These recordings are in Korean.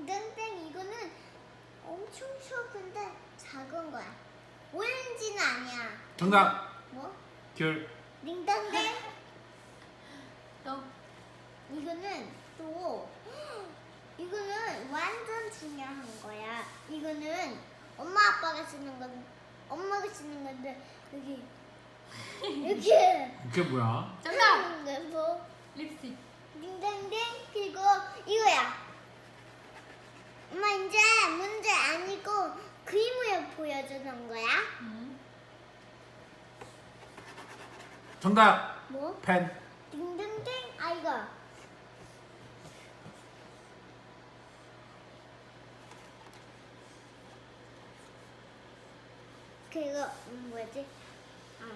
딩동댕 이거는 엄청 쉬워. 근데 작은 거야. 오렌지는 아니야. 정답. 뭐? 귤. 딩동댕. 또 이거는 또 이거는 완전 중요한 거야. 이거는 엄마 아빠가 쓰는 건 엄마가 쓰는 건데 여기 이렇게 그게 뭐야? 정답! 그래서 립스틱. 딩동댕. 그리고 이거야. 엄마 이제 문제 아니고 그림을 보여주는 거야. 정답. 뭐? 펜. 딩동댕. 아 이거. 그리고 뭐지? 아.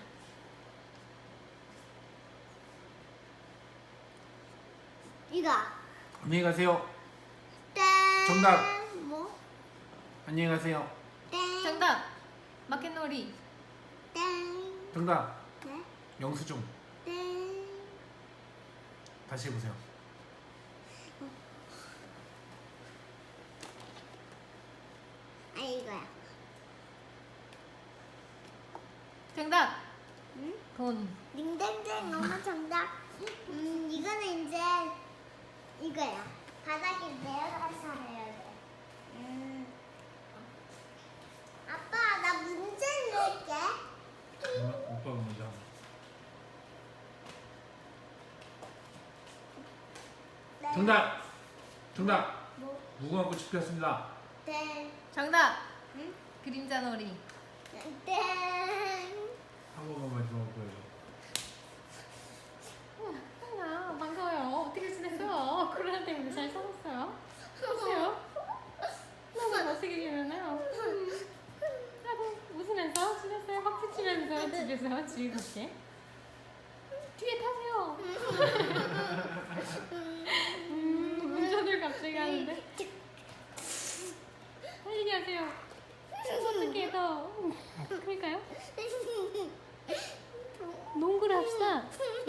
이거. 안녕히 가세요. 땡. 정답. 뭐? 안녕히 가세요. 땡. 정답! 마켓놀이. 땡. 정답. 네? 영수증. 땡. 다시 해보세요. 아 이거야. 정답! 응? 돈. 딩동댕 엄마 정답. 이거는 이제 이거야. 바닥에 내려가서 해야 돼. 아빠 나 문제 낼게. 오빠가 먼저. 네. 정답. 정답. 뭐? 무궁화 꽃이 피었습니다. 땡. 정답! 응? 그림자놀이. 땡. 한 번만 마지막으로 보여줘. 아, 반가워요. 어떻게 지냈어요? 코로나 때문에 잘 살았어요? 보세요. 너무 못생기시면요. 하고 웃으면서 지냈어요. 박수 치면서 집에서 즐겁게. 뒤에 타세요. 운전을 갑자기 하는데 빨리 하세요. 어떻게 더 그럴까요? 농구를 합시다.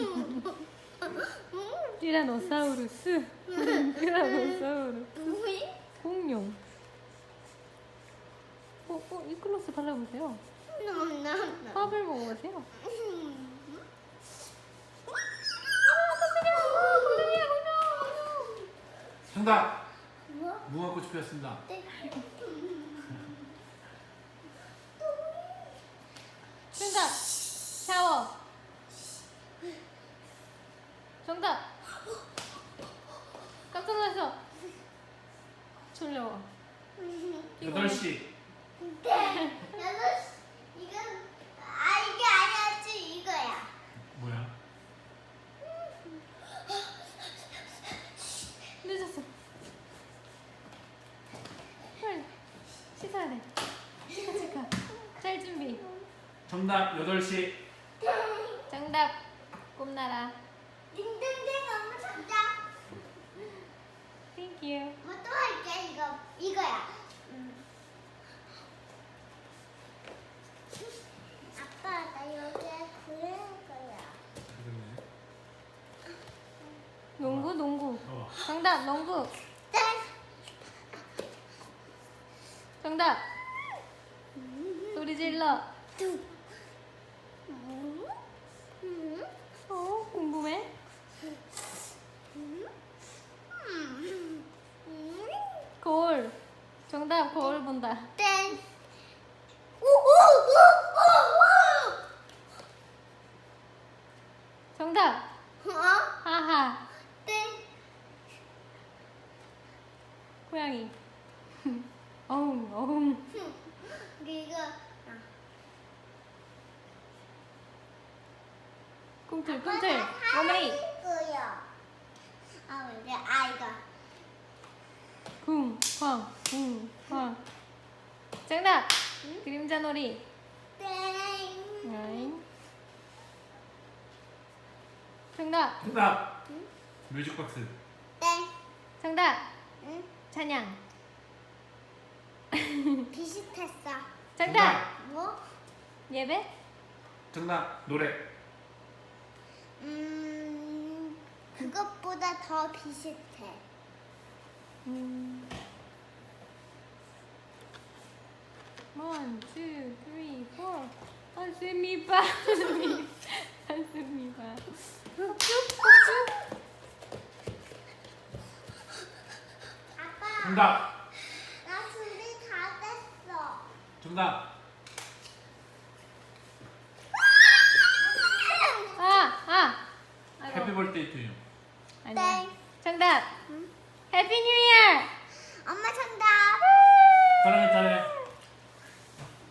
티라노사우루스. 티라노사우루스. 공룡. 이클로스 발라보세요. 밥을 먹어보세요. 정답. 뭐? 무궁화 꽃이 피었습니다. 정답. 샤워. 정답. 깜짝 놀랐어. 졸려워. 8시. 네. 이건 이게 아니었지 이거야. 뭐야? 늦었어. 빨리 씻어야 돼. 치카. 잘 준비. 정답. 8시. 정답. 꿈나라. 딩동댕 엄마 정답. Thank you. 뭐 또 할게. 이거야. 아빠 나 여기에 그릴 거야. 농구. 어. 정답. 농구. 땡. 정답. 소리 질러. 궁금해? 거울. 정답. 거울 본다. 땡. 정답. 어? 하하. 땡. 고양이. 어흥. 이거 꿈틀. 어머니. 이거야. 아 이제 이거. 쿵쾅. 정답. 그림자놀이. 땡. 아잉. 정답. 정답. 뮤직박스. 땡. 정답. 응? 찬양. 비슷했어. 정답. 뭐? 예배. 정답. 노래. 그것보다 더 비슷해. One, two, three, four. 한숨이봐. 한숨이봐. 아빠, 정답. 나 준비 다 됐어. 정답. 아이고. 해피 벌데이 투 유. 아니야. 땡. 정답. 해피 뉴 이어. 엄마 정답. 사랑해 잘해.